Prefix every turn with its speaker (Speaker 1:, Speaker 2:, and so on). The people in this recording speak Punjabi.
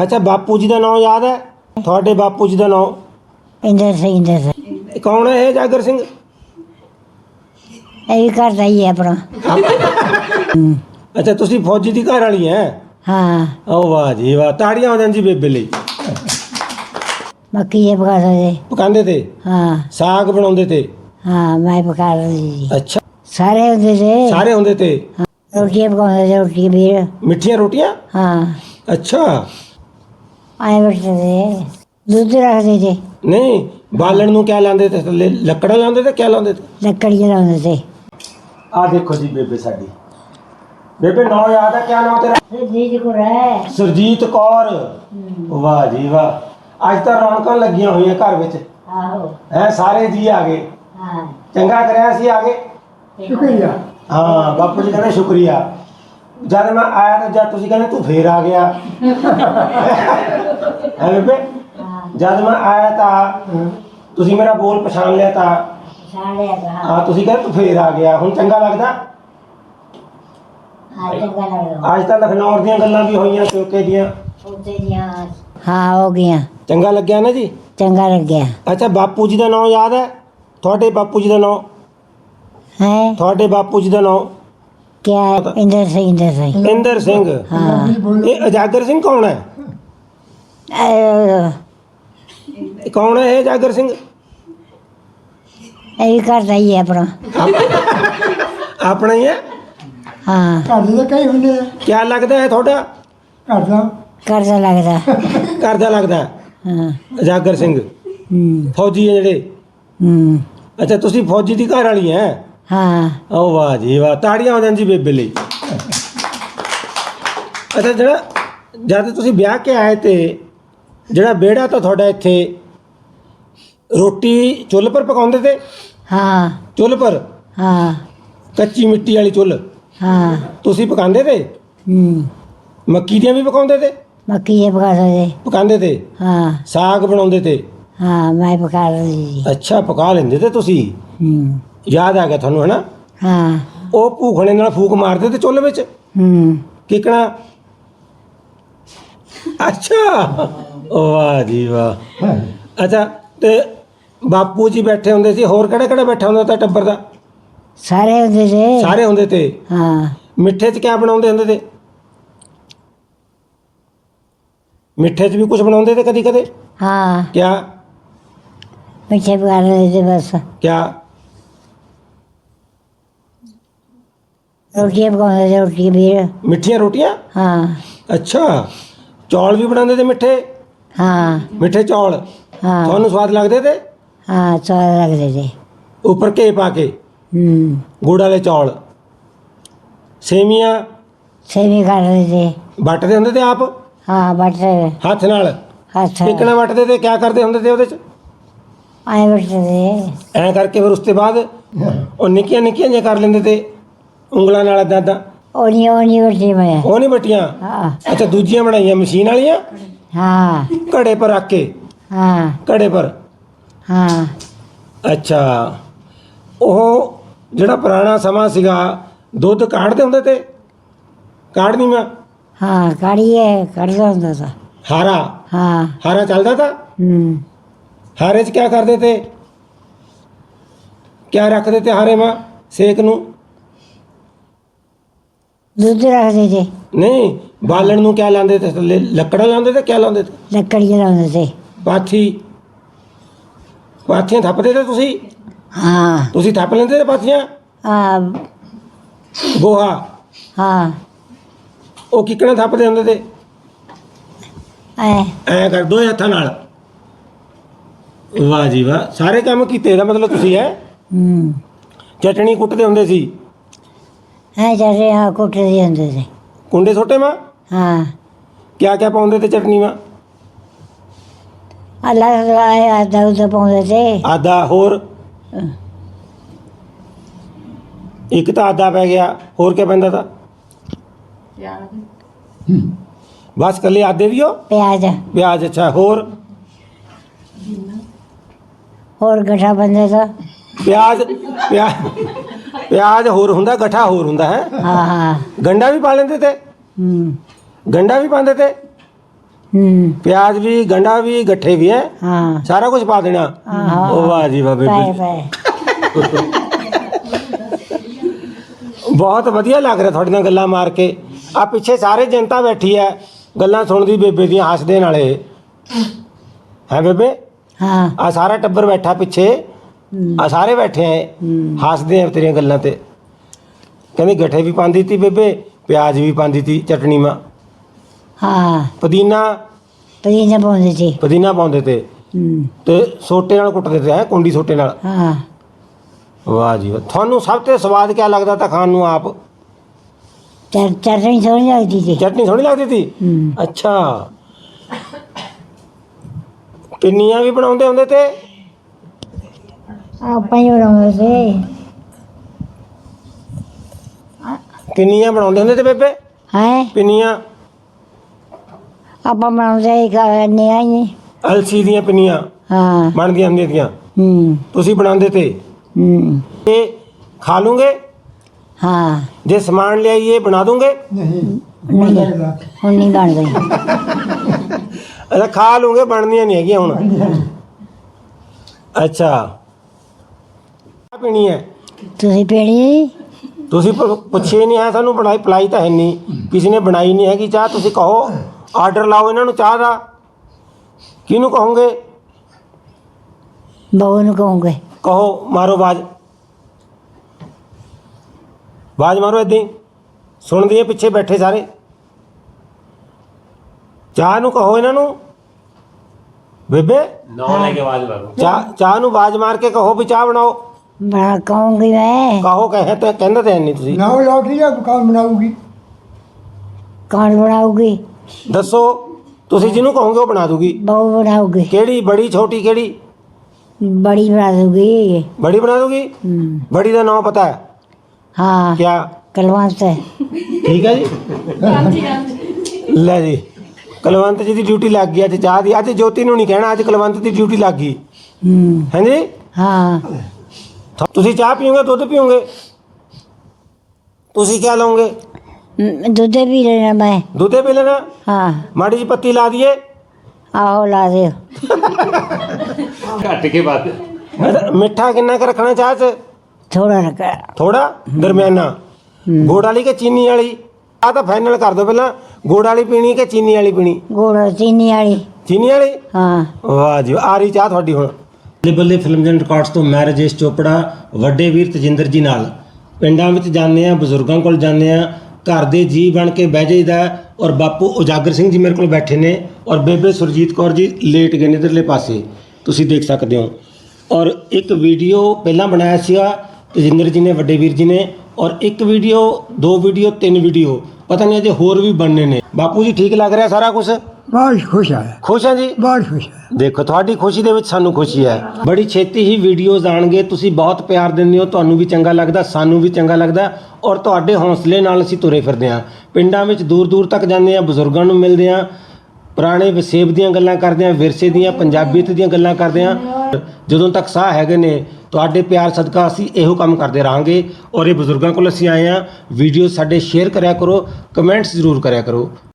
Speaker 1: अच्छा बापू जी का नाम याद है थोड़े बापू जी का नाम
Speaker 2: इंदर सिंह
Speaker 1: कौन है ये जागर सिंह
Speaker 2: ਇਹ ਵੀ ਘਰ ਦਾ ਹੀ ਹੈ ਆਪਣਾ
Speaker 1: अच्छा तुसी फौजी की घर वाली है
Speaker 2: ਹਾਂ
Speaker 1: ओ वाह जी वाह ताड़ियां हो जान जी बेबे ਲਈ
Speaker 2: ਮੱਕੀ ਇਹ ਪਕਾ ਸਕਦੇ
Speaker 1: पकांदे थे
Speaker 2: ਹਾਂ
Speaker 1: साग बनाउंदे थे
Speaker 2: ਹਾਂ ਮੈਂ ਪਕਾ ਰਹੀ ਸੀ
Speaker 1: अच्छा
Speaker 2: ਸਾਰੇ ਹੁੰਦੇ ਸੀ
Speaker 1: सारे होंदे थे
Speaker 2: ਰੋਟੀਆਂ ਪਕਾਉਂਦੇ ਸੀ ਰੋਟੀ ਵੀਰ
Speaker 1: मिठियां रोटियां
Speaker 2: ਹਾਂ
Speaker 1: अच्छा
Speaker 2: ਆਏ ਬੈਠਦੇ ਸੀ ਦੁੱਧ ਰੱਖਦੇ ਸੀ
Speaker 1: नहीं बालन ਨੂੰ क्या लांदे थे थल्ले ਲੱਕੜਾਂ ਲਾਉਂਦੇ ਤੇ क्या ਲਾਉਂਦੇ ਤੇ
Speaker 2: ਲੱਕੜ ਜਲਾਉਂਦੇ ਸੀ
Speaker 1: आ देखो जी बेबे साडी बेबे नाम याद है क्या नाम तेरा
Speaker 2: ਜੀ ਕੋ ਰਹਿ
Speaker 1: सुरजीत कौर वाह जी वाह ਅੱਜ ਤਾਂ ਰੌਣਕਾਂ ਲੱਗੀਆਂ ਹੋਈਆਂ ਘਰ ਵਿੱਚ
Speaker 2: ਆਹੋ
Speaker 1: ਹੈ ਸਾਰੇ ਜੀ ਆ ਗਏ
Speaker 2: ਹਾਂ
Speaker 1: ਚੰਗਾ ਕਰਿਆ ਸੀ ਆ ਗਏ
Speaker 2: ਸ਼ੁਕਰੀਆ
Speaker 1: ਹਾਂ ਬਾਪੂ ਜੀ ਕਹਿੰਦੇ ਸ਼ੁਕਰੀਆ ਜਦ ਮੈਂ ਆਇਆ ਤਾਂ ਜਦ ਤੁਸੀਂ ਕਹਿੰਦੇ ਤੂੰ ਫੇਰ ਆ ਗਿਆ ਹੈ ਬੇਬੇ ਜਦ ਮੈਂ ਆਇਆ ਤਾਂ ਤੁਸੀਂ ਮੇਰਾ ਬੋਲ ਪਛਾਣ ਲਿਆ ਤਾਂ
Speaker 2: ਸਾੜੇ ਆ
Speaker 1: ਹਾਂ ਤੁਸੀਂ ਕਹਿੰਦੇ ਤੂੰ ਫੇਰ ਆ ਗਿਆ ਹੁਣ ਚੰਗਾ ਲੱਗਦਾ
Speaker 2: ਹਾਂ ਚੰਗਾ ਲੱਗਦਾ
Speaker 1: ਅੱਜ ਤਾਂ ਲਖਨਊ ਦੀਆਂ ਗੱਲਾਂ ਵੀ ਹੋਈਆਂ ਚੌਕੇ ਦੀਆਂ
Speaker 2: ਉੱਤੇ ਦੀਆਂ ਹਾਂ ਹੋ ਗਿਆ
Speaker 1: ਚੰਗਾ ਲੱਗਿਆ ਨਾ ਜੀ
Speaker 2: ਚੰਗਾ ਲੱਗਿਆ
Speaker 1: ਅੱਛਾ ਬਾਪੂ ਜੀ ਦਾ ਨਾਮ ਯਾਦ ਹੈ ਤੁਹਾਡੇ ਬਾਪੂ ਜੀ ਦਾ ਨਾਮ
Speaker 2: ਹੈ
Speaker 1: ਤੁਹਾਡੇ ਬਾਪੂ ਜੀ ਦਾ ਨਾਮ
Speaker 2: ਕਿਆ ਹੈ? ਇੰਦਰ ਸਿੰਘ
Speaker 1: ਇੰਦਰ ਸਿੰਘ
Speaker 2: ਹਾਂ
Speaker 1: ਇਹ ਅਜਾਗਰ ਸਿੰਘ ਕੌਣ ਹੈ
Speaker 2: ਇਹ
Speaker 1: ਕੌਣ ਹੈ ਇਹ ਅਜਾਗਰ ਸਿੰਘ
Speaker 2: ਵੀ ਘਰ ਦਾ ਹੀ ਹੈ ਆਪਣਾ
Speaker 1: ਆਪਣਾ ਹੀ ਹੈ
Speaker 2: ਹਾਂ
Speaker 3: ਘਰ ਦੇ ਤਾਂ ਕਈ ਹੁੰਦੇ ਆ
Speaker 1: ਕਿਆ ਲੱਗਦਾ ਹੈ ਤੁਹਾਡਾ
Speaker 3: ਘਰ ਦਾ
Speaker 2: ਘਰ ਦਾ ਲੱਗਦਾ
Speaker 1: ਘਰ ਦਾ ਲੱਗਦਾ ਹੈ
Speaker 2: ਹਾਂ
Speaker 1: ਅਜਾਗਰ ਸਿੰਘ ਫੌਜੀ ਹੈ ਜਿਹੜੇ ਅੱਛਾ ਤੁਸੀਂ ਫੌਜੀ ਦੀ ਘਰ ਵਾਲੀ ਹੈ
Speaker 2: ਹਾਂ
Speaker 1: ਓ ਵਾਹ ਜੀ ਵਾਹ ਤਾੜੀਆਂ ਹੋ ਜਾਣ ਜੀ ਬੇਬੇ ਲਈ ਅੱਛਾ ਜਿਹੜਾ ਜਦ ਤੁਸੀਂ ਵਿਆਹ ਕੇ ਆਏ ਤੇ ਜਿਹੜਾ ਵਿਹੜਾ ਤਾਂ ਤੁਹਾਡਾ ਇੱਥੇ ਰੋਟੀ ਚੁੱਲ੍ਹ ਪਰ ਪਕਾਉਂਦੇ ਤੇ
Speaker 2: ਹਾਂ
Speaker 1: ਚੁੱਲ੍ਹ ਪਰ
Speaker 2: ਹਾਂ
Speaker 1: ਕੱਚੀ ਮਿੱਟੀ ਵਾਲੀ ਚੁੱਲ੍ਹ
Speaker 2: ਹਾਂ
Speaker 1: ਤੁਸੀਂ ਪਕਾਉਂਦੇ ਤੇ ਮੱਕੀ ਦੀਆਂ ਵੀ ਪਕਾਉਂਦੇ ਤੇ
Speaker 2: ਮੱਕੀ ਇਹ ਪਕਾ ਸਕਦੇ
Speaker 1: ਪਕਾਉਂਦੇ ਤੇ
Speaker 2: ਹਾਂ
Speaker 1: ਸਾਗ ਬਣਾਉਂਦੇ ਤੇ
Speaker 2: ਹਾਂ ਮੈਂ ਪਕਾ ਰਹੀ ਸੀ
Speaker 1: ਅੱਛਾ ਪਕਾ ਲੈਂਦੇ ਤੇ ਤੁਸੀਂ ਯਾਦ ਆ ਗਿਆ ਤੁਹਾਨੂੰ ਹਨਾ
Speaker 2: ਹਾਂ
Speaker 1: ਉਹ ਭੂਖਣੇ ਨਾਲ ਫੂਕ ਮਾਰਦੇ ਤੇ ਚੁੱਲ੍ਹ ਵਿੱਚ ਕਿਕਣਾ ਅੱਛਾ ਵਾਹ ਜੀ ਵਾਹ ਅੱਛਾ ਤੇ ਬਾਪੂ ਜੀ ਬੈਠੇ ਹੁੰਦੇ ਸੀ ਹੋਰ ਕਿਹੜਾ ਕਿਹੜਾ ਬੈਠਾ ਹੁੰਦਾ ਤਾਂ ਟੱਬਰ ਦਾ
Speaker 2: ਸਾਰੇ ਹੁੰਦੇ ਸੀ
Speaker 1: ਸਾਰੇ ਹੁੰਦੇ ਤੇ
Speaker 2: ਹਾਂ
Speaker 1: ਮਿੱਠੇ 'ਚ ਕਿਆ ਬਣਾਉਂਦੇ ਹੁੰਦੇ ਤੇ ਮਿੱਠੇ 'ਚ ਵੀ ਕੁਝ ਬਣਾਉਂਦੇ ਤੇ ਕਦੀ ਕਦੇ
Speaker 2: ਹਾਂ
Speaker 1: ਕਿਆ
Speaker 2: ਮਿੱਠੇ ਪਕਾ ਰਹੇ ਸੀ ਬਸ
Speaker 1: ਕਿਆ
Speaker 2: ਰੋਟੀਆਂ ਪਕਾਉਂਦੇ ਸੀ ਰੋਟੀ ਵੀਰ
Speaker 1: ਮਿੱਠੀਆਂ ਰੋਟੀਆਂ
Speaker 2: ਹਾਂ
Speaker 1: ਅੱਛਾ ਚੌਲ ਵੀ ਬਣਾਉਂਦੇ ਤੇ ਮਿੱਠੇ
Speaker 2: ਹਾਂ
Speaker 1: ਮਿੱਠੇ ਚੌਲ
Speaker 2: ਹਾਂ
Speaker 1: ਤੁਹਾਨੂੰ ਸਵਾਦ ਲੱਗਦੇ ਤੇ
Speaker 2: ਹਾਂ ਸਵਾਦ ਲੱਗਦੇ ਸੀ
Speaker 1: ਉੱਪਰ ਘੇ ਪਾ ਕੇ ਗੁੜ ਵਾਲੇ ਚੌਲ ਸੇਵੀਆਂ
Speaker 2: ਸੇਵੀ ਕਰ ਰਹੇ ਸੀ
Speaker 1: ਵੱਟਦੇ ਹੁੰਦੇ ਤੇ ਆਪ
Speaker 2: ਹਾਂ ਬਟ
Speaker 1: ਹੱਥ ਨਾਲ
Speaker 2: ਹੱਥ
Speaker 1: ਕਿਕਣਾ ਵੱਟਦੇ ਤੇ ਕਿਆ ਕਰਦੇ ਹੁੰਦੇ ਤੇ ਉਹਦੇ 'ਚ
Speaker 2: ਆਏ ਬੈਠਦੇ ਸੀ
Speaker 1: ਐਂ ਕਰਕੇ ਫਿਰ ਉਸ ਤੋਂ ਬਾਅਦ ਉਹ ਨਿੱਕੀਆਂ ਨਿੱਕੀਆਂ ਜਿਹੀਆਂ ਕਰ ਲੈਂਦੇ ਤੇ ਉਂਗਲਾਂ ਨਾਲ ਏਦਾਂ ਏਦਾਂ
Speaker 2: ਉਹ ਨਹੀਂ ਬੈਠੀ ਮੈਂ
Speaker 1: ਉਹ ਨਹੀਂ ਵੱਟੀਆਂ
Speaker 2: ਹਾਂ
Speaker 1: ਅੱਛਾ ਦੂਜੀਆਂ ਬਣਾਈਆਂ ਮਸ਼ੀਨ ਵਾਲੀਆਂ
Speaker 2: ਹਾਂ
Speaker 1: ਘੜੇ ਪਰ ਰੱਖ ਕੇ
Speaker 2: ਹਾਂ
Speaker 1: ਘੜੇ ਪਰ
Speaker 2: ਹਾਂ
Speaker 1: ਅੱਛਾ ਉਹ ਜਿਹੜਾ ਪੁਰਾਣਾ ਸਮਾਂ ਸੀਗਾ ਦੁੱਧ ਕਾੜਦੇ ਹੁੰਦੇ ਤੇ ਕਾੜਨੀ ਮੈਂ
Speaker 2: ਹਾਂ ਕਾੜੀਏ ਕੱਢਦਾ ਹੁੰਦਾ ਸੀ
Speaker 1: ਹਾਰਾ
Speaker 2: ਹਾਂ
Speaker 1: ਹਾਰਾ ਚੱਲਦਾ ਤਾ ਹਾਰੇ 'ਚ ਕਿਆ ਕਰਦੇ ਤੇ ਕਿਆ ਰੱਖਦੇ ਤੇ ਹਾਰੇ ਮਾਂ ਸੇਕ ਨੂੰ
Speaker 2: ਦੁੱਧ ਰੱਖਦੇ ਸੀ
Speaker 1: ਨਹੀਂ ਬਾਲਣ ਨੂੰ ਕਿਆ ਲਾਉਂਦੇ ਤੇ ਥੱਲੇ ਲੱਕੜਾਂ ਲਾਉਂਦੇ ਤੇ ਕਿਆ ਲਾਉਂਦੇ ਤੇ
Speaker 2: ਲੱਕੜ ਜਲਾਉਂਦੇ ਸੀ
Speaker 1: ਪਾਥੀ ਪਾਥੀਆਂ ਥੱਪਦੇ ਤੇ
Speaker 2: ਹਾਂ
Speaker 1: ਤੁਸੀਂ ਥੱਪ ਲੈਂਦੇ ਤੇ ਪਾਥੀਆਂ
Speaker 2: ਆ
Speaker 1: ਗੋਹਾ
Speaker 2: ਹਾਂ
Speaker 1: ਉਹ ਕਿੱਕਣਾ ਥੱਪਦੇ ਹੁੰਦੇ ਤੇ
Speaker 2: ਐ
Speaker 1: ਐਂ ਕਰ ਦੋ ਹੱਥਾਂ ਨਾਲ ਵਾਹ ਜੀ ਵਾਹ ਸਾਰੇ ਕੰਮ ਕੀਤੇ ਦਾ ਮਤਲਬ ਤੁਸੀਂ ਹੈ ਚਟਣੀ ਕੁੱਟਦੇ ਹੁੰਦੇ ਸੀ
Speaker 2: ਐ ਜਿਹੜੇ ਆ ਕੁੱਟਦੇ ਹੁੰਦੇ ਸੀ
Speaker 1: ਕੁੰਡੇ ਛੋਟੇ ਮਾਂ
Speaker 2: ਹਾਂ
Speaker 1: ਕਿਆ ਕਿਆ ਪਾਉਂਦੇ ਤੇ ਚਟਨੀ ਮਾਂ
Speaker 2: ਅੱਲਾ ਆਇਆ ਦੁੱਧ ਪਾਉਂਦੇ ਸੀ
Speaker 1: ਆਦਾ ਹੋਰ ਇੱਕ ਤਾਂ ਆਦਾ ਪੈ ਗਿਆ ਹੋਰ ਕਿਆ ਪੈਂਦਾ ਤਾ ਬਸ ਕੱਲੇ ਆਦੇ ਵੀ ਹੋ
Speaker 2: ਪਿਆਜ਼
Speaker 1: ਪਿਆਜ਼ ਅੱਛਾ ਹੋਰ
Speaker 2: ਹੋਰ ਗਠਾ ਬੰਦੇ ਦਾ
Speaker 1: ਪਿਆਜ਼ ਪਿਆਜ਼ ਪਿਆਜ਼ ਹੋਰ ਹੁੰਦਾ ਗਠਾ ਹੋਰ ਹੁੰਦਾ ਹੈ
Speaker 2: ਹਾਂ ਹਾਂ
Speaker 1: ਗੰਡਾ ਵੀ ਪਾ ਲੈਂਦੇ ਤੇ ਗੰਡਾ ਵੀ ਪਾਉਂਦੇ ਤੇ ਪਿਆਜ਼ ਵੀ, ਗੰਢਾ ਵੀ, ਗੱਠੇ ਵੀ ਹੈ,
Speaker 2: ਹਾਂ
Speaker 1: ਸਾਰਾ ਕੁਝ ਪਾ ਦੇਣਾ। ਉਹ ਵਾਹ ਜੀ ਵਾਹ
Speaker 2: ਪਏ
Speaker 1: ਬੇਬੇ,
Speaker 2: ਪਏ
Speaker 1: ਬਹੁਤ ਵਧੀਆ ਲੱਗ ਰਿਹਾ ਤੁਹਾਡੇ ਨਾਲ ਗੱਲਾਂ ਮਾਰ ਕੇ। ਆ ਪਿੱਛੇ ਸਾਰੇ ਜਨਤਾ ਬੈਠੀ ਹੈ ਗੱਲਾਂ ਸੁਣਦੀ ਬੇਬੇ ਦੀਆਂ, ਹੱਸਦੇ ਨਾਲੇ ਹੈ ਬੇਬੇ।
Speaker 2: ਹਾਂ
Speaker 1: ਆ ਸਾਰਾ ਟੱਬਰ ਬੈਠਾ ਪਿੱਛੇ, ਆ ਸਾਰੇ ਬੈਠੇ ਐ ਹੱਸਦੇ ਆ ਤੇਰੀਆਂ ਗੱਲਾਂ ਤੇ। ਕਹਿੰਦੀ ਗੱਠੇ ਵੀ ਪਾਉਂਦੀ ਤੀ ਬੇਬੇ, ਪਿਆਜ਼ ਵੀ ਪਾਉਂਦੀ ਤੀ ਚਟਣੀ ਮਾ,
Speaker 2: ਹਾਂ
Speaker 1: ਪੁਦੀਨਾ
Speaker 2: ਪਦੀਨਾ ਪਾਉਂਦੇ ਸੀ
Speaker 1: ਪੁਦੀਨਾ ਪਾਉਂਦੇ ਤੇ ਤੇ ਸੋਟੇ ਨਾਲ ਕੁੱਟਦੇ ਤੇ ਹੈ, ਕੁੰਡੀ ਸੋਟੇ ਨਾਲ।
Speaker 2: ਹਾਂ
Speaker 1: ਵਾਹ ਜੀ ਵਾਹ। ਤੁਹਾਨੂੰ ਸਭ ਤੋਂ ਸਵਾਦ ਕਿਆ ਲੱਗਦਾ ਤਾਂ ਖਾਣ ਨੂੰ ਆਪ?
Speaker 2: ਚਟਨੀ ਸੋਹਣੀ ਲੱਗਦੀ ਸੀ
Speaker 1: ਚਟਨੀ ਸੋਹਣੀ ਲੱਗਦੀ ਤੀ। ਅੱਛਾ, ਪਿੰਨੀਆਂ ਵੀ ਬਣਾਉਂਦੇ ਹੁੰਦੇ ਤੇ?
Speaker 2: ਆਪਾਂ ਹੀ ਬਣਾਉਂਦੇ ਸੀ
Speaker 1: ਪਿੰਨੀਆਂ ਬਣਾਉਂਦੇ ਹੁੰਦੇ ਤੇ ਬੇਬੇ?
Speaker 2: ਹੈ
Speaker 1: ਪਿੰਨੀਆਂ
Speaker 2: ਆਪਾਂ ਬਣਾਉਂਦੇ ਕਰਨੇ ਆਈ
Speaker 1: ਅਲਸੀ ਦੀਆਂ ਪਿੰਨੀਆਂ
Speaker 2: ਹਾਂ
Speaker 1: ਬਣਦੀਆਂ ਹੁੰਦੀਆਂ ਤੀਆਂ,
Speaker 2: ਹੂੰ
Speaker 1: ਤੁਸੀਂ ਬਣਾਉਂਦੇ ਤੇ?
Speaker 2: ਹੂੰ
Speaker 1: ਤੇ ਖਾ ਲੂੰਗੇ
Speaker 2: ਹਾਂ
Speaker 1: ਜੇ ਸਮਾਨ ਲਿਆਈਏ, ਬਣਾ ਦੂੰਗੇ?
Speaker 3: ਨਹੀਂ
Speaker 2: ਨਹੀਂ
Speaker 3: ਲੱਗਦਾ
Speaker 2: ਹੁਣ ਨਹੀਂ ਬਣ ਗਈ
Speaker 1: ਅੱਛਾ, ਖਾ ਲੂੰਗੇ, ਬਣਦੀਆਂ ਨਹੀਂ ਹੈਗੀਆਂ ਹੁਣ। ਅੱਛਾ, ਚਾਹ ਪੀਣੀ ਹੈ?
Speaker 2: ਤੁਸੀਂ ਪੀਣੀ
Speaker 1: ਤੁਸੀਂ ਪੁੱਛੇ ਨਹੀਂ ਹੈ ਸਾਨੂੰ, ਬਣਾਈ ਪਲਾਈ ਤਾਂ ਹੈ ਨਹੀਂ, ਕਿਸੇ ਨੇ ਬਣਾਈ ਨਹੀਂ ਹੈਗੀ ਚਾਹ। ਤੁਸੀਂ ਕਹੋ, ਆਰਡਰ ਲਾਓ ਇਹਨਾਂ ਨੂੰ ਚਾਹ ਦਾ। ਕਿਹਨੂੰ ਕਹੋਗੇ?
Speaker 2: ਬਹੂ ਨੂੰ ਕਹੋਗੇ
Speaker 1: ਕਹੋ, ਮਾਰੋ ਆਵਾਜ਼, ਆਵਾਜ਼ ਮਾਰੋ ਏਦਾਂ ਹੀ, ਸੁਣਦੀ ਹੈ ਪਿੱਛੇ ਬੈਠੇ ਸਾਰੇ। ਚਾਹ ਨੂੰ ਕਹੋ ਇਹਨਾਂ ਨੂੰ ਬੇਬੇ,
Speaker 4: ਨਾ ਲੈ ਕੇ ਆਵਾਜ਼ ਮਾਰੋ।
Speaker 1: ਚਾਹ ਨੂੰ ਆਵਾਜ਼ ਮਾਰ ਕੇ ਕਹੋ ਵੀ ਚਾਹ ਬਣਾਓ।
Speaker 2: ਬਣਾ ਕਹੂੰਗੀ ਮੈਂ
Speaker 1: ਕਹੋ, ਕਹੇ ਤੇ ਕਹਿੰਦੇ ਤੇ ਨਹੀਂ ਤੁਸੀਂ।
Speaker 3: ਨਾ ਲੋਟੀ ਜਾਂ ਕੌਣ ਬਣਾਊਗੀ?
Speaker 2: ਕੌਣ ਬਣਾਉਗੀ?
Speaker 1: ਦੱਸੋ, ਤੁਸੀਂ ਜਿਹਨੂੰ ਕਹੋਗੇ ਉਹ ਬਣਾ ਦੂਗੀ।
Speaker 2: ਬਹੂ ਬਣਾਉਗੀ
Speaker 1: ਕਿਹੜੀ, ਬੜੀ ਛੋਟੀ ਕਿਹੜੀ?
Speaker 2: ਬੜੀ ਬਣਾ ਦੂਗੀ
Speaker 1: ਬੜੀ ਬਣਾ ਦੂਗੀ। ਬੜੀ ਦਾ ਨਾਮ ਪਤਾ ਹੈ
Speaker 2: ਹਾਂ
Speaker 1: ਕਿਆ?
Speaker 2: ਕਲਵੰਤ
Speaker 1: ਠੀਕ ਹੈ ਜੀ। ਲੈ ਜੀ, ਕਲਵੰਤ ਜੀ ਦੀ ਡਿਊਟੀ ਲੱਗ ਗਈ ਅੱਜ ਚਾਹ ਦੀ। ਅੱਜ ਜੋਤੀ ਨੂੰ ਨਹੀਂ ਕਹਿਣਾ, ਅੱਜ ਕਲਵੰਤ ਦੀ ਡਿਊਟੀ ਲੱਗ ਗਈ। ਹਾਂਜੀ,
Speaker 2: ਹਾਂ
Speaker 1: ਤੁਸੀਂ ਚਾਹ ਪੀਓਗੇ, ਦੁੱਧ ਪੀਓਗੇ? ਤੁਸੀਂ ਕਿਆ ਲਓਗੇ?
Speaker 2: ਦੁੱਧ ਵੀ ਲੈਣਾ ਮੈਂ
Speaker 1: ਦੁੱਧੇ ਪੀ ਲੈਣਾ?
Speaker 2: ਹਾਂ
Speaker 1: ਮਾੜੀ ਜੀ ਪੱਤੀ ਲਾ ਦਈਏ?
Speaker 2: ਆਹੋ ਲਾ ਦਿਓ
Speaker 4: ਘੱਟ ਕੇ ਵੱਧ।
Speaker 1: ਮਿੱਠਾ ਕਿੰਨਾ ਕੁ ਰੱਖਣਾ ਚਾਹ 'ਚ?
Speaker 2: ਥੋੜਾ ਰੱਖਾ
Speaker 1: ਥੋੜਾ, ਦਰਮਿਆਨਾ? ਗੁੜ ਵਾਲੀ ਕਿ ਚੀਨੀ ਵਾਲੀ? ਆਹ ਤਾਂ ਫਾਈਨਲ ਕਰ ਦਿਓ ਪਹਿਲਾਂ, ਗੁੜ ਵਾਲੀ ਪੀਣੀ ਕਿ ਚੀਨੀ ਵਾਲੀ ਪੀਣੀ?
Speaker 2: ਗੁੜ ਚੀਨੀ ਵਾਲੀ
Speaker 1: ਚੀਨੀ ਵਾਲੀ?
Speaker 2: ਹਾਂ
Speaker 1: ਵਾਹ ਜੀ, ਆ ਰਹੀ ਚਾਹ ਤੁਹਾਡੀ ਹੁਣ। ਬੱਲੇ ਬੱਲੇ ਫਿਲਮਸ ਐਂਡ ਰਿਕਾਰਡਸ ਤੋਂ ਮੈਂ ਰਾਜੇਸ਼ ਚੋਪੜਾ ਵੱਡੇ ਵੀਰ ਤਜਿੰਦਰ ਜੀ ਨਾਲ ਪਿੰਡਾਂ ਵਿੱਚ ਜਾਂਦੇ ਆ, ਬਜ਼ੁਰਗਾਂ ਕੋਲ ਜਾਂਦੇ ਆ, ਘਰ ਦੇ ਜੀ ਬਣ ਕੇ ਬਹਿ ਜਾਈਦਾ। ਔਰ ਬਾਪੂ ਉਜਾਗਰ ਸਿੰਘ ਜੀ ਮੇਰੇ ਕੋਲ ਬੈਠੇ ਨੇ, ਔਰ ਬੇਬੇ ਸੁਰਜੀਤ ਕੌਰ ਜੀ ਲੇਟ ਗਏ ਨੇ ਇੱਧਰਲੇ ਪਾਸੇ, ਤੁਸੀਂ ਦੇਖ ਸਕਦੇ ਹੋ। ਔਰ ਇੱਕ ਵੀਡੀਓ ਪਹਿਲਾਂ ਬਣਾਇਆ ਸੀਗਾ ਤਜਿੰਦਰ ਜੀ ਨੇ, ਵੱਡੇ ਵੀਰ ਜੀ ਨੇ, ਔਰ ਇੱਕ ਵੀਡੀਓ, 2 ਵੀਡੀਓ, 3 ਵੀਡੀਓ, ਪਤਾ ਨਹੀਂ ਅਜੇ ਹੋਰ ਵੀ ਬਣਨੇ ਨੇ। ਬਾਪੂ ਜੀ ਠੀਕ ਲੱਗ ਰਿਹਾ ਸਾਰਾ ਕੁਝ?
Speaker 3: ਬਹੁਤ ਖੁਸ਼ ਆ,
Speaker 1: ਖੁਸ਼ ਹਾਂ ਜੀ।
Speaker 3: ਬਹੁਤ ਖੁਸ਼ ਆ।
Speaker 1: ਦੇਖੋ, ਤੁਹਾਡੀ ਖੁਸ਼ੀ ਦੇ ਵਿੱਚ ਸਾਨੂੰ ਖੁਸ਼ੀ ਹੈ। ਬੜੀ ਛੇਤੀ ਹੀ ਵੀਡੀਓਜ਼ ਆਉਣਗੇ, ਤੁਸੀਂ ਬਹੁਤ ਪਿਆਰ ਦਿੰਦੇ ਹੋ, ਤੁਹਾਨੂੰ ਵੀ ਚੰਗਾ ਲੱਗਦਾ, ਸਾਨੂੰ ਵੀ ਚੰਗਾ ਲੱਗਦਾ, ਔਰ ਤੁਹਾਡੇ ਹੌਸਲੇ ਨਾਲ ਅਸੀਂ ਤੁਰੇ ਫਿਰਦੇ ਹਾਂ। ਪਿੰਡਾਂ ਵਿੱਚ ਦੂਰ ਦੂਰ ਤੱਕ ਜਾਂਦੇ ਹਾਂ, ਬਜ਼ੁਰਗਾਂ ਨੂੰ ਮਿਲਦੇ ਹਾਂ, ਪੁਰਾਣੇ ਵਸੇਬ ਦੀਆਂ ਗੱਲਾਂ ਕਰਦੇ ਹਾਂ, ਵਿਰਸੇ ਦੀਆਂ, ਪੰਜਾਬੀਅਤ ਦੀਆਂ ਗੱਲਾਂ ਕਰਦੇ ਹਾਂ। ਜਦੋਂ ਤੱਕ ਸਾਹ ਹੈਗੇ ਨੇ, ਤੁਹਾਡੇ ਪਿਆਰ ਸਦਕਾ ਅਸੀਂ ਇਹੋ ਕੰਮ ਕਰਦੇ ਰਹਾਂਗੇ। ਔਰ ਇਹ ਬਜ਼ੁਰਗਾਂ ਕੋਲ ਅਸੀਂ ਆਏ ਹਾਂ। ਵੀਡੀਓ ਸਾਡੇ ਸ਼ੇਅਰ ਕਰਿਆ ਕਰੋ, ਕਮੈਂਟਸ ਜ਼ਰੂਰ ਕਰਿਆ ਕਰੋ।